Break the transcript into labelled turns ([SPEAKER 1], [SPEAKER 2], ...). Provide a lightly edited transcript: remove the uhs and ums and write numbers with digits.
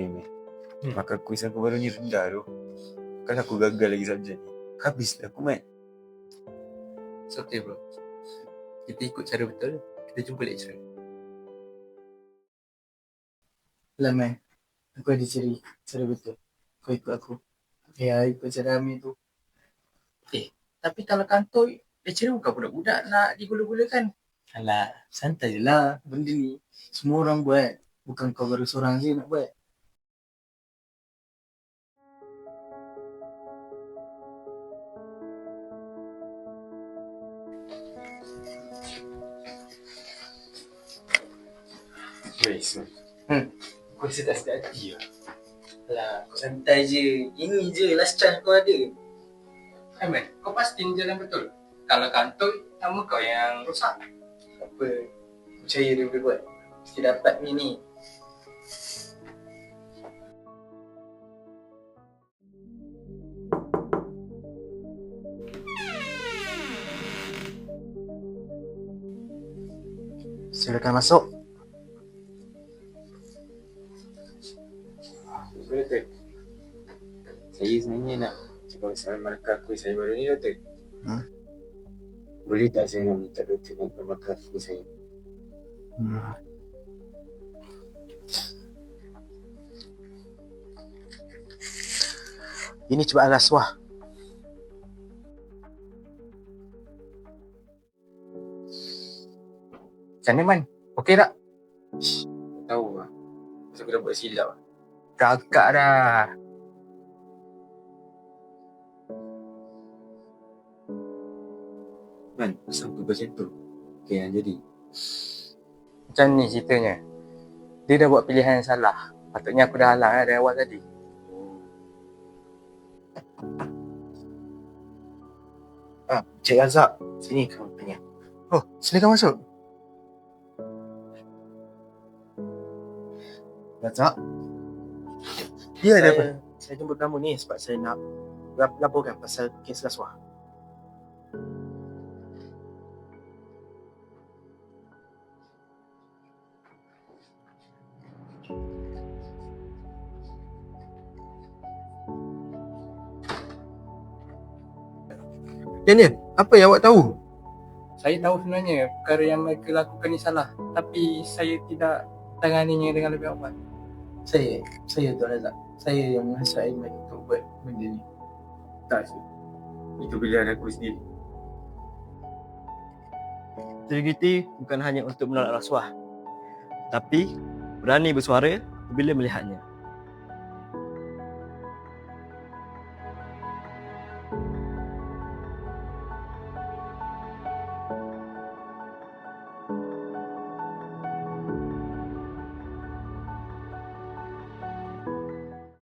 [SPEAKER 1] ni, Meh. Maka kuis aku baru ni rendah tu. Kan aku gagal lagi subjek ni. Habislah aku, Mat.
[SPEAKER 2] It's okay, bro. Kita ikut cara betul. Kita jumpa lecturer.
[SPEAKER 3] Lah, Mat. Aku ada cara betul. Kau ikut aku. Ya, ikut cara Amir tu.
[SPEAKER 2] Tapi kalau kantoi, lecturer bukan budak-budak nak digula-gulakan.
[SPEAKER 3] Alah, santai je lah. Benda ni semua orang buat. Bukan kau baru seorang je nak buat.
[SPEAKER 1] Guys,
[SPEAKER 3] Kau rasa tak sedap hati lah. Alah, kau santai je. Ini je last chance kau ada.
[SPEAKER 2] Man, kau pasti ni jalan betul. Kalau kantoi, nama kau yang rosak.
[SPEAKER 3] Apa? Percaya dia boleh buat. Mesti dapat ni. Silakan masuk.
[SPEAKER 1] Doktor, saya sebenarnya nak cakap pasal markah kuis saya baru ni, Doktor. Boleh tak saya nak minta Doktor nak markah kuis saya?
[SPEAKER 3] Ini cubaan rasuah.
[SPEAKER 2] Macam mana, Man? Okey tak?
[SPEAKER 1] Tahu lah. Pasal aku dah buat silap lah.
[SPEAKER 2] Kakak dah.
[SPEAKER 1] Man, asal aku macam tu? Okay, yang jadi.
[SPEAKER 2] Macam ni ceritanya. Dia dah buat pilihan yang salah. Patutnya aku dah halang dari awal tadi.
[SPEAKER 3] Cik Razak, sini kamu tanya.
[SPEAKER 2] Oh, silakan masuk.
[SPEAKER 3] Razak,
[SPEAKER 2] Ya, ada apa?
[SPEAKER 3] saya jemput kamu ni sebab saya nak laporkan pasal kes rasuah.
[SPEAKER 2] Daniel, apa yang awak tahu? Saya tahu sebenarnya perkara yang mereka lakukan ni salah. Tapi saya tidak tanganinya dengan lebih awal.
[SPEAKER 3] Saya tu Razak. Saya yang menghasrat Aiman untuk buat benda ni.
[SPEAKER 1] Tak, Syed. Itu pilihan aku sendiri.
[SPEAKER 4] Integriti bukan hanya untuk menolak rasuah, tapi berani bersuara bila melihatnya.